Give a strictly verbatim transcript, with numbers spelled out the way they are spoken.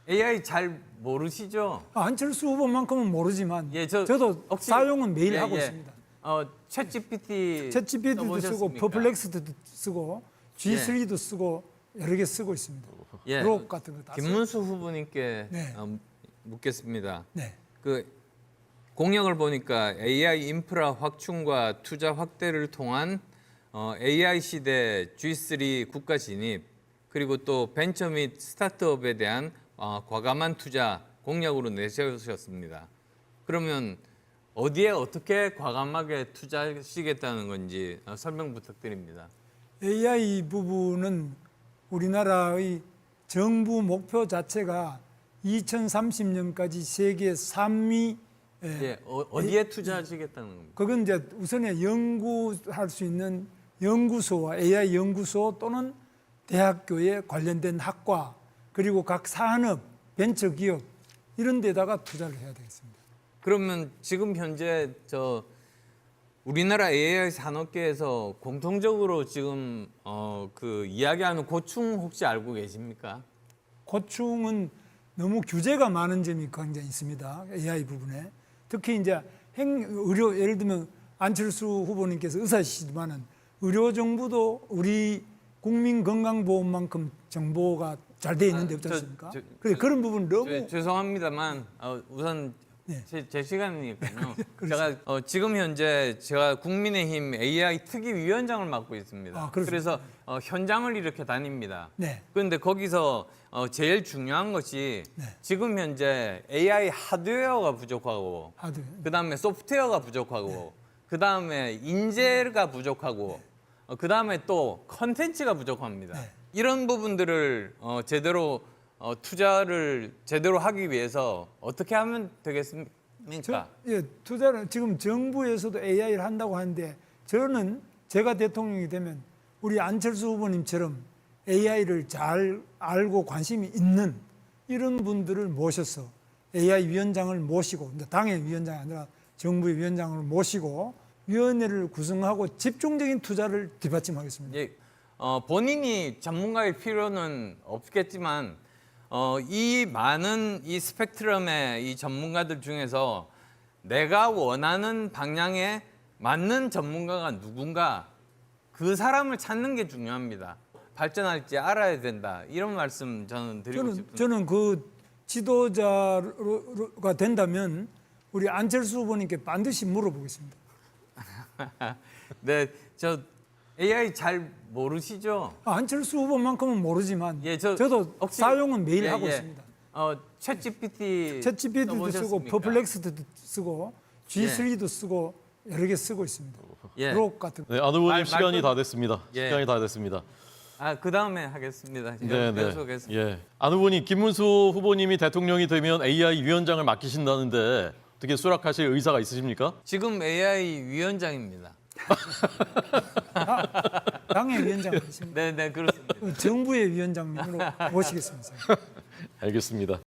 에이아이 잘 모르시죠? 아, 안철수 후보만큼은 모르지만 예, 저 저도 혹시- 사용은 매일 예, 하고 예. 있습니다. 어, 챗지피티 챗지피티도 쓰고 써보셨습니까? 퍼플렉스도 쓰고 지쓰리도 쓰고 여러 개 쓰고 있습니다. 예. 그룹 같은 거 다 쓰고. 김문수 후보님께 네. 어, 묻겠습니다. 네. 그 공약을 보니까 에이아이 인프라 확충과 투자 확대를 통한 어, 에이아이 시대 지 쓰리 국가 진입 그리고 또 벤처 및 스타트업에 대한 어, 과감한 투자 공약으로 내세우셨습니다. 그러면 어디에 어떻게 과감하게 투자하시겠다는 건지 어, 설명 부탁드립니다. 에이아이 부분은 우리나라의 정부 목표 자체가 이천삼십 년까지 세계 삼 위. 예, 어, 어디에 투자하시겠다는 겁니까? 그건 이제 우선에 연구할 수 있는 연구소와 에이아이 연구소 또는 대학교에 관련된 학과 그리고 각 산업, 벤처기업 이런 데다가 투자를 해야 되겠습니다. 그러면 지금 현재 저 우리나라 에이아이 산업계에서 공통적으로 지금 어, 그 이야기하는 고충 혹시 알고 계십니까? 고충은 너무 규제가 많은 점이 굉장히 있습니다. 에이아이 부분에. 특히 이제 행, 의료, 예를 들면 안철수 후보님께서 의사시지만은 의료 정보도 우리 국민건강보험만큼 정보가 잘 돼 있는 데 아, 없지 저, 않습니까? 저, 그래, 저, 그런 부분 너무. 죄- 죄송합니다만 어, 우선 네. 제, 제 시간이니까요. 그렇죠. 제가 어, 지금 현재 제가 국민의힘 에이아이 특위위원장을 맡고 있습니다. 아, 그렇습니까? 그래서 어, 현장을 이렇게 다닙니다. 네. 그런데 거기서 어, 제일 중요한 것이 네. 지금 현재 에이아이 하드웨어가 부족하고 하드. 그 다음에 소프트웨어가 부족하고 그 다음에 인재가 부족하고 어, 그 다음에 또 컨텐츠가 부족합니다. 네. 이런 부분들을 어, 제대로 어, 투자를 제대로 하기 위해서 어떻게 하면 되겠습니까? 저, 예, 투자를 지금 정부에서도 에이아이를 한다고 하는데 저는 제가 대통령이 되면 우리 안철수 후보님처럼 에이아이를 잘 알고 관심이 있는 이런 분들을 모셔서 에이아이 위원장을 모시고 이제 당의 위원장이 아니라 정부의 위원장을 모시고 위원회를 구성하고 집중적인 투자를 뒷받침하겠습니다. 예, 어, 본인이 전문가일 필요는 없겠지만 어, 이 많은 이 스펙트럼의 이 전문가들 중에서 내가 원하는 방향에 맞는 전문가가 누군가 그 사람을 찾는 게 중요합니다. 발전할지 알아야 된다. 이런 말씀 저는 드리고 저는 싶습니다. 저는 그 지도자가 된다면 우리 안철수 후보님께 반드시 물어보겠습니다. 네, 저 에이아이 잘 모르시죠? 아, 안철수 후보만큼은 모르지만 예, 저 저도 혹시- 사용은 매일 예, 하고 예. 있습니다. 어, 챗지피티 챗지피티도 쓰고 써보셨습니까? 퍼플렉스도 쓰고 지 쓰리도 쓰고 여러 개 쓰고 있습니다. 예. 그룹 같은 거. 네, 안 후보님 말- 시간이 말씀- 다 됐습니다. 예. 시간이 다 됐습니다. 아, 그 다음에 하겠습니다. 네, 네. 계속하겠습니다. 예. 안 후보님, 김문수 후보님이 대통령이 되면 에이아이 위원장을 맡기신다는데 어떻게 수락하실 의사가 있으십니까? 지금 에이아이 위원장입니다. 당의 위원장이십니다. 네, 네, 그렇습니다. 정부의 위원장님으로 모시겠습니다. 알겠습니다.